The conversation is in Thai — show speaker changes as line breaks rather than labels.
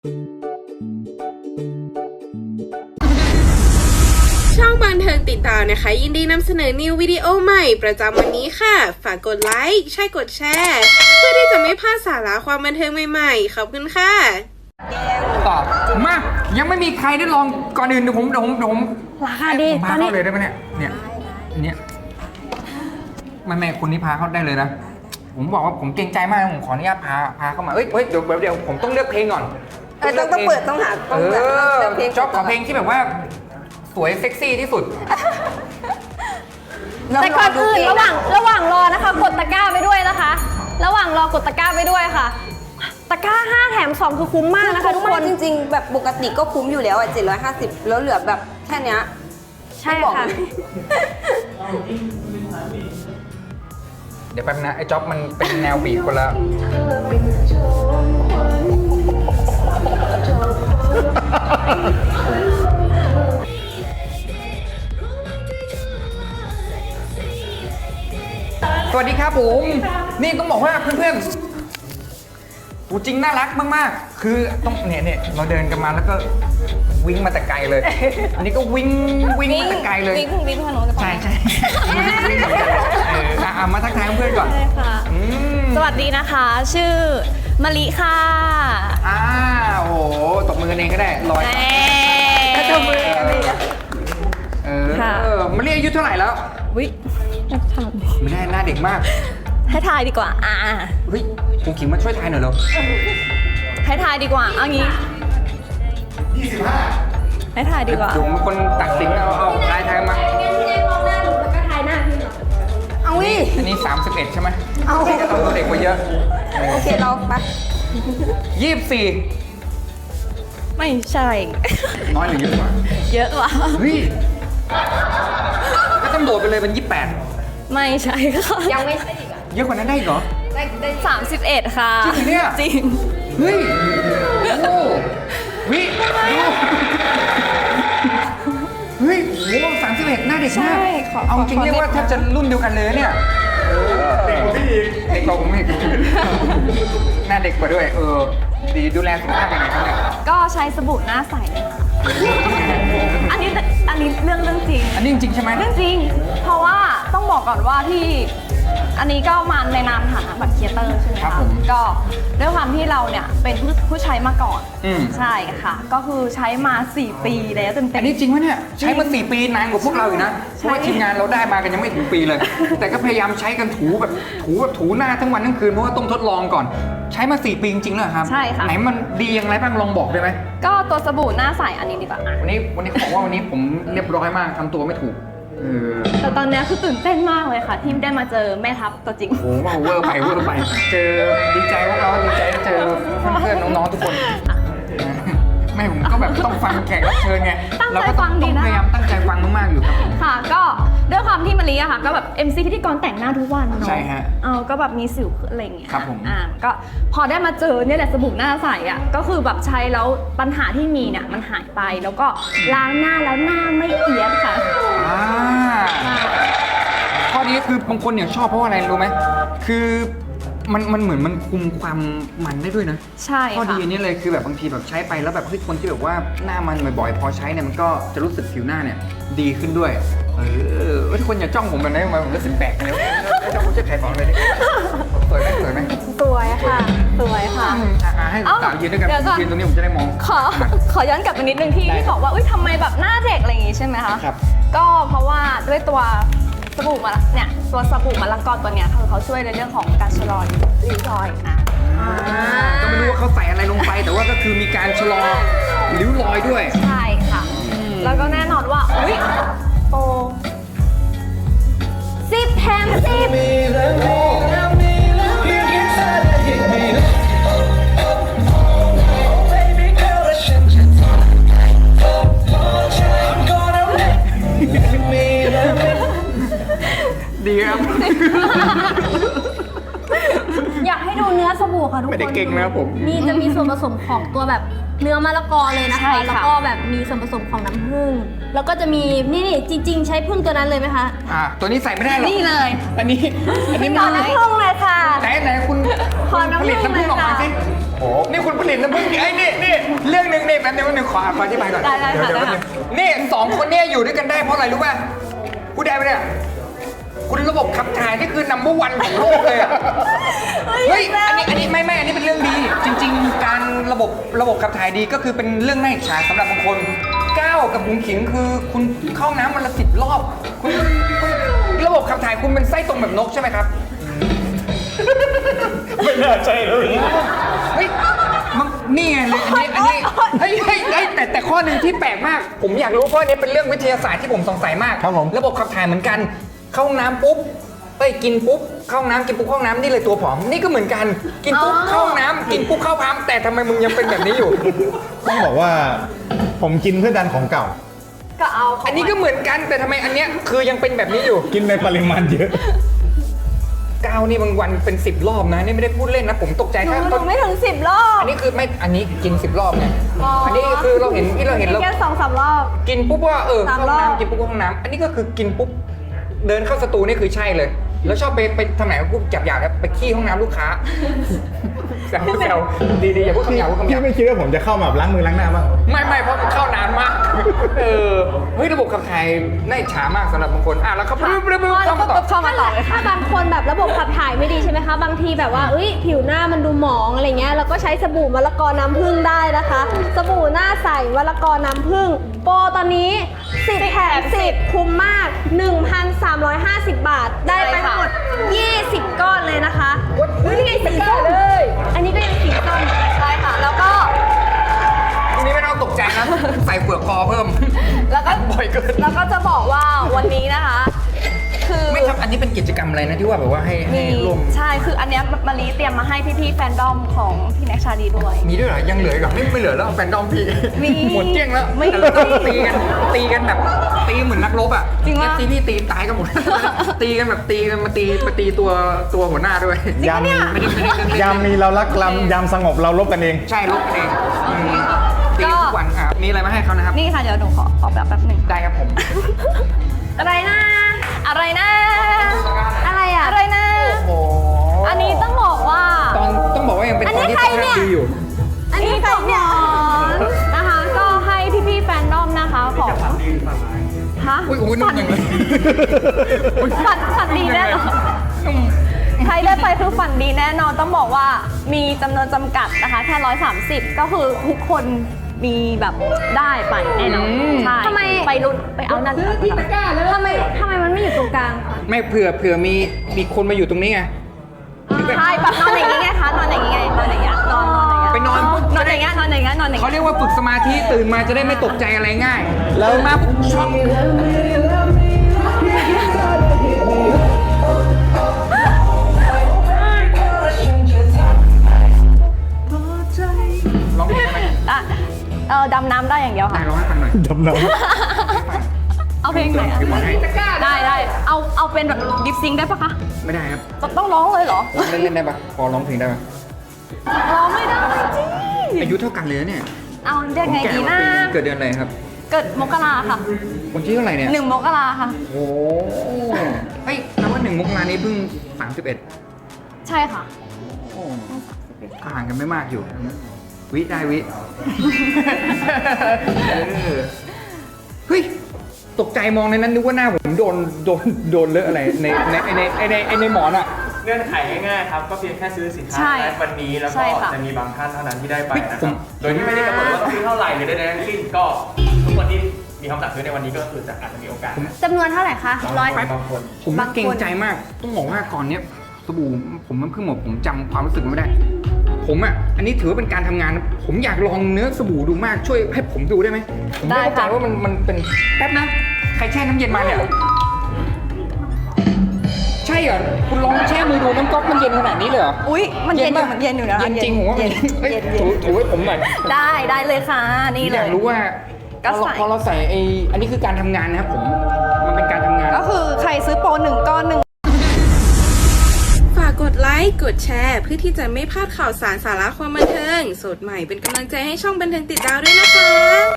ช่องบันเทิงติดตามนะคะยินดีนำเสนอนิววิดีโอใหม่ประจำวันนี้ค่ะฝากกดไลค์ใช่กดแชร์เพื่อที่จะไม่พลาดสาระความบันเทิงใหม่ๆขอบคุณค่ะ
ตอบมายังไม่มีใครได้ลองก่อนอื่นเดี๋ยวผม
ราคาดี
พาเข้าเลยได้ไหมเนี่ยแม่คุณนี่พาเข้าได้เลยนะผมบอกว่าผมเกรงใจมากผมขออนุญาตพาเข้ามาเฮ้ยเดี๋ยวผมต้องเลือกเพลงก่อน
ต้องเปิดต้องหาเพลง
จ๊อบขอเพลงที่แบบว่าสวยเซ็กซี่ที่สุด
แต่ก่อนอื่นระหว่างรอนะคะกดตะกร้าไปด้วยนะคะระหว่างรอกดตะกร้าไปด้วยค่ะตะกร้า5แถม2คือคุ้มมากนะคะทุกคน
จริงๆแบบปกติก็คุ้มอยู่แล้ว750แล้วเหลือแบบแค่เนี้ย
ใช่ค่ะ
เดี๋ยวแป๊บนะไอ้จ๊อบมันเป็นแนวบีบคนละสวัสดีครับผมนี่ต้องบอกว่าเพื่อนๆจริงน่ารักมากๆคือต้องเนี่ยเราเดินกันมาแล้วก็วิ่งมาแต่ไกลเลยอันนี้ก็วิ่งมาแต่ไกลเลย
วิ่งพานุใ
ช่มาทักทายเพื่อนก่อน
ใช่ค่ะสวัสดีนะคะชื่อมะลิค่ะ
โอ้โหตบมือกันเองก็ได้ลอย
ตบมือ
มะลิอายุเท่าไหร่แล้ว
วิ
ไม่ได้หน้าเด็กมาก
ให้ทายดีกว่า
เฮ้ยคุณขิงมาช่วยทายหน่อยเร็ว
ให้ทายดีกว่าเอางี้25ให้ทายดีกว่า
ผมเป็นคนตัดสินเอาทายมา
เอาวิ
อันนี้31ใช่ไหมเอาตัวเด็กกว่าเยอะ
โอเคเราไป
24ไม่ใช่
น้อยหรือเยอะกว่า
เยอะกว่า
เฮ้ยก็ต้องโดดไปเลยเป็น28
ไม่ใช่ค่ะ
ยังไม่ใช่อีก
เยอะกว่านั้นได้เหรอ
ได้31ค่ะ
จริงเนี่ย
จริง
เฮ้ยโอ้วิดูเฮ้ยโอ้31หน้าเด็กมากเอาจริงเรียกว่าแทบจะรุ่นเดียวกันเลยเนี่ยเด็กกว่าพี่อีกเด็กกว่าผมอีกหน้าเด็กกว่าด้วยดีดูแลสุขภาพยังไงครับเนี่ย
ก็ใช้สบู่หน้าใสอันนี้เรื่องจริง
อันนี้จริงใช่ไหม
เรื่องจริงเพราะว่าต้องบอกก่อนว่าที่อันนี้ก็มาในนามฐานะบัตรครีเอเตอร์ใช่ไหมคะก็ด้วยความที่เราเนี่ยเป็นผู้ใช้มาก่อนใช่ค่ะก็คือใช้มา4 ปีแล้วเต็ม
อันนี้จริงวะเนี่ยใช้มา4 ปีนานกว่าพวกเราอีกนะเพราะว่าทีมงานเราได้มากันยังไม่ถึงปีเลยแต่ก็พยายามใช้กันถูหน้าทั้งวันทั้งคืนเพราะว่าต้องทดลองก่อนใช้มา4 ปีจริงๆเลยครับ
ใช่ค่ะ
ไหนมันดีอย่างไรบ้างลองบอกได้ไหม
ก็ตัวสบู่หน้าใสอันนี้ดีกว่า
วันนี้เขาบอกว่าวันนี้ผมเรียบร้อยมากทำตัวไม่ถูก
แต่ตอนนี้คือตื่นเต้นมากเลยค่ะที่ได้มาเจอแม่ทัพตัวจริง
โอ้โหเวอร์ไปเจอดีใจพวกเราดีใจเจอเพื่อนน้องๆทุกคนไม่ผมก็แบบต้องฟังแขกรับเชิญไง
เราก็ต้อง
พยายามตั้งใจฟังมากๆอยู่ครับ
ค่ะก็ด้วยความที่มะลิอะค่ะก็แบบ MC พิธีกรแต่งหน้าทุกวันเนาะ
ใช่ฮะ
ก็แบบมีสิวอะไรอย่างเงี้ย
ครับผม
ก็พอได้มาเจอเนี่ยแหละสบู่หน้าใสอะก็คือแบบใช้แล้วปัญหาที่มีเนี่ยมันหายไปแล้วก็ล้างหน้าแล้วหน้าไม่เอียดค่ะ
ข้อนี้คือบางคนเนี่ยชอบเพราะอะไรรู้ไหมคือมันเหมือนมันคุมความมันได้ด้วยนะ
ใช่
ข้อดีอันนี้เลยคือแบบบางทีแบบใช้ไปแล้วแบบคนที่แบบว่าหน้ามันบ่อยๆพอใช้เนี่ยมันก็จะรู้สึกผิวหน้าเนี่ยดีขึ้นด้วยทุกคนอย่าจ้องผมแบบนี้มาผมรู้สึกแปลกเลยจ้องผมจะขายของเลยสวยไหม
สวยค่ะ
ให้สาวยืนด้วยกันยืนตรงนี้ผมจะได้มอง
ขอย้อนกลับไปนิดนึงที่บอกว่าทำไมแบบหน้าเด็กอะไรอย่างงี้ใช่ไหมคะ
ครับ
ก็เพราะว่าด้วยตัวสบู่มะละเนี่ยตัวสบู่มะละกอตัวเนี้ยคือเขาช่วยในเรื่องของการชะลอริ้วรอย
ก็ไม่รู้ว่าเขาใส่อะไรลงไปแต่ว่าก็คือมีการชะลอริ้วรอยด้วย
ใช่ค่ะแล้วก็แน่นอนว่าโปร10 แถม 10
ดีครับ
อยากให้ดูเนื้อสบู่ค่ะทุกคน
ไม่ได้เก่งนะผม
นี่จะมีส่วนผสมของตัวแบบเนื้อมะละกอเลยนะคะแล้วก็แบบมีส่วนผสมของน้ำผึ้งแล้วก็จะมีนี่จริงๆใช้ผึ้งตัวนั้นเลยไหมคะ
ตัวนี้ใส่ไม่ได้หรอก
นี่เลย
อันนี้
ขอน้ำผึ้งเลยค่ะ
ไหนคุณ
ขอน้ำผึ้ง
ออกมาสิโอ้นี่คุณผลิตน้ำผึ้งไอ้นี่นึงขออธิบายก่อน
ได้ค่ะ
เดี๋ยว
ได้
แป๊บ
ค่ะ
นึงนี่2 คนเนี่ยอยู่ด้วยกันได้เพราะอะไรรู้ป่ะพูดได้ไหมเนี่ยคุณระบบขับถ่ายนี่คือnumber 1ของโลกเลยอ่ะเฮ้ยอันนี้ไม่อันนี้เป็นเรื่องดี จริง ๆ การระบบขับถ่ายดีก็คือเป็นเรื่องน่าอิจฉาสำหรับบางคนก้าวกับบุ๋มขิงคือคุณเข้าน้ำวันละ10 รอบคุณระบบขับถ่ายคุณเป็นไส้ตรงแบบนกใช่ไหมครับ
ไม่น่าใช่เลย
เฮ้ยมันนี่ไงเลยอันนี้เฮ้ยแต่ข้อหนึ่งที่แปลกมาก ผมอยากรู้เพราะอันนี้เป็นเรื่องวิทยาศาสตร์ที่ผมสงสัยมาก
ครับผม
ระบบขับถ่ายเหมือนกัน เข้าห้องน้ำปุ๊บกินปุ๊บเข้าห้องน้ำกินปุ๊บเข้าห้องน้ำนี่เลยตัวผอมนี่ก็เหมือนกันกินปุ๊บเข้าห้องน้ำกินปุ๊บเข้าพัมแต่ทำไมมึงยังเป็นแบบนี้อยู่
ต้องบอกว่าผมกินเพื่อดันของเก่า
ก็เอาของ
อันนี้ก็เหมือนกันแต่ทำไมอันเนี้ยคือยังเป็นแบบนี้อยู่
กินในปริมาณเยอะ
ก้าวนี่บางวันเป็น10 รอบนะนี่ไม่ได้พูดเล่นนะผมตกใจ
หนู
แค่
หนูไม่ถึง10 รอบ
อันนี้คือไม่อันนี้กิน10 รอบไงอันนี้คือเราเห็นที่เราเห็นเรา
แค่2-3 รอบ
กินปุ๊บว่าเข้า
3
ห้อง
รอบ
น้ำกินปุ๊บเข้าห้องน้ำอันนี้ก็คือกินปุ๊บเดินเข้าสตูนี่คือใช่เลย แล้วชอบไปทำไหนปุ๊บจับอยากไปขี้ห้องน้ำลูกค้าแซวดีอย่าพูดคำหยาบพูดคำห
พี่
ยาบ
ไม่คิดว่าผมจะเข้ามาแบบล้างมือล้างหน้าบ้าง
ไม่เพราะมันเข้านานมากเฮ้ยระบบขับถ่ายน่าอิจฉามากสำหรับบางคนอ่ะแล้วเขาเข้ามาต่อ
เข้ามาต่อเลยค่ะ
ถ้าบางคนแบบระบบขับถ่ายไม่ดีใช่ไหมคะ บางทีแบบว่าผิวหน้ามันดูหมองอะไรเงี้ยเราก็ใช้สบู่มะละกอน้ำผึ้งได้นะคะ สบู่หน้าใสมะละกอน้ำผึ้งโปรตอนนี้10 แถม 10 คุ้มมาก 1,350 บาท ได้ไปทั้งหมด 20 ก้อนเลยนะคะนี่ไงสีส้มอันนี้ก็ยังสีส้ม
ใช่ค่ะ แล้วก็
ทีนี้ไม่ต้องตกใจนะใส่เปลือกคอเพิ่ม
แล้วก็
บ่อยเกิน
แล้วก็จะบอกว่าวันนี้นะคะ คือ
ไม่ครับอันนี้เป็นกิจกรรมอะไรนะที่ว่าแบบว่าให้
มี
ร่วม
ใช่คืออันเนี้ยมะลิเตรียมมาให้พี่ๆแฟนดอมของพี่แน็กชาลีด้วย
มีด้วยเหรอยังเหลืออีกเหรอไม่เหลือแล้วแฟนดอมพี่
มี
หมดเกลี้ยงแล้ว
ไม่
แต่เราต้องตีกันแบบตีเหมือนนักรบอ่ะ
จริงปะ
ตีพี่ตีตายกันหมด ตีกันแบบตีกันมาตีตัวหัวหน้าด้วย
ยาม
ไม่ได้เล่น
ยามมีเรารักลำยามสงบเราลบกันเอง
ใช่ลบกันเองตีทุกวันอ่ะมีอะไรมาให้เขานะครับ
นี่ค่ะเดี๋ยวหนูขอแบบแป๊บหนึ่ง
ได้ครับผม
อะไรนะอะไรนะ
อะไรอ่ะ
อะไรนะ
โอ้
อันนี้ต้องบอกว่า
ต้องบอกว่ายังเป็น
อัน
ต
นี้
อนที่
ใคร
ส
เนี่
ภาพ
ย
ดีอยู่
อันนี้ของหมอน
นะคะ ก็ให้พี่ๆแฟนดอมนะคะของฮะ
อุ้ยนุ่มจังเลย
ฝันดีแน่นอนใครได้ไปคือฝันดีแน่นอนต้องบอกว่ามีจำนวนจำกัดนะคะแค่130 ก็คือทุกคนมีแบบได้ไปแน่นอนใช่
ทำไม
ไปรุ่นไปเอานั่น
ทำไมมันไม่อยู่ตรงกลางคะ
ไม่เผื่อมีคนมาอยู่ตรงนี้ไง
ใช่แบบนอนอย่างนี้ไงคะนอนอย่างนี้ไงนอนอย่างเงี้ยนอนอย่างเงี้ย
ไปนอนปุ๊บ
นอนอย่างเงี้ยนอนอย่างเงี้ยนอนอย่าง
เขา
เงี้ย
เรียกว่าฝึกสมาธิตื่นมาจะได้ไม่ตกใจอะไรง่าย
แล้ว
มาปุ๊บช็อกร้องเพลงได้ไหม
ดำน้ำได้อย่างเดียว
ได้
ค่ะ
ร้องให้ฟังหน่อย
ดำน้
เอาเพลงไหนอะ
เดี๋ยวบอกให้
ได้เอาเป็นแบบดิฟซิงได้ปะคะ
ไม่ได้ครับ
ต้องร้องเลยเหรอ
เล่นได้ปะพอร้องเพลงได้ปะ
ร้องไม่ได้จริง
อายุเท่ากันเลยนะเนี่ย
เอาเรียกไง
แก่
ดี
กว่า
นะ
ปีเกิดเดือนอะไรครับ
เกิดมกราค่ะ
วันที่เท่าไหร่เนี่ย
1 มกราค่ะ
โอ้เฮ้ยนับว่า1 มกรานี้เพิ่ง31
ใช่ค่ะ
ห่างกันไม่มากอยู่ วิได้วิ เฮ้ย ตกใจมองในนั้นนึกว่าหน้าผมโดนเลอะอะไรในหมอนอ่ะ
เงื่อนไขง่ายๆครับ ก็เพียงแค่ซื้อสินค้า
ใช่
ในวันนี้แล้ว
ใช่
ก็
ค่ะ
จะมีบางท่านเท่านั้นที่ได้ไปนะ
ผ
ครั
ม
บ โดยที่ไม่ได้กำหนดว่าต้องซื้อเท่าไหร่หรือใดๆทั้งสิ้นก็ทุกคนที่มีคำสั่งซื้อในวันนี้ก็คือจะอาจจะมีโอกาสนะ
จำนวนเท่าไหร่คะร้อย
บางคน
ผมเกรงใจมาก ต้องบอกว่าก่อนเนี้ยสบู่ผมมันเพิ่งหมดผมจำความรู้สึกไม่ได้ ผมอ่ะ อันนี้ถือว่าเป็นการทำงาน ผมอยากลองเนื้อสบู่ดูมาก ช่วยให้ผมดูได้ไหมผมไม่เข้าใจว่ามันเป็นแป๊บนะ ใครแช่น้ำเย็นมาเนี่ย ใช่เหรอ คุณลองแช่มือดูน้ำก๊อกมันเย็นขนาดนี้เลยเหรอ
อุ๊ยมันเย็นอยู่
ปะ
มันเย็นอยู่นะ
เย็นจริงผมว่ามันเฮ้ยถูให้ผมหน่อย
ได้เลยค่ะ นี่เล
อยาก
ย
รู้ว่า
ก็ใส่
พอเราใส่อันนี้คือการทำงานนะครับผม มันเป็นการทำงาน
ก็คือใครซื้อโปร1 ก้อน
ฝากกดไลค์ กดแชร์เพื่อที่จะไม่พลาดข่าวสารสาระความบันเทิง สดใหม่เป็นกำลังใจให้ช่องบันเทิงติดดาวด้วยนะคะ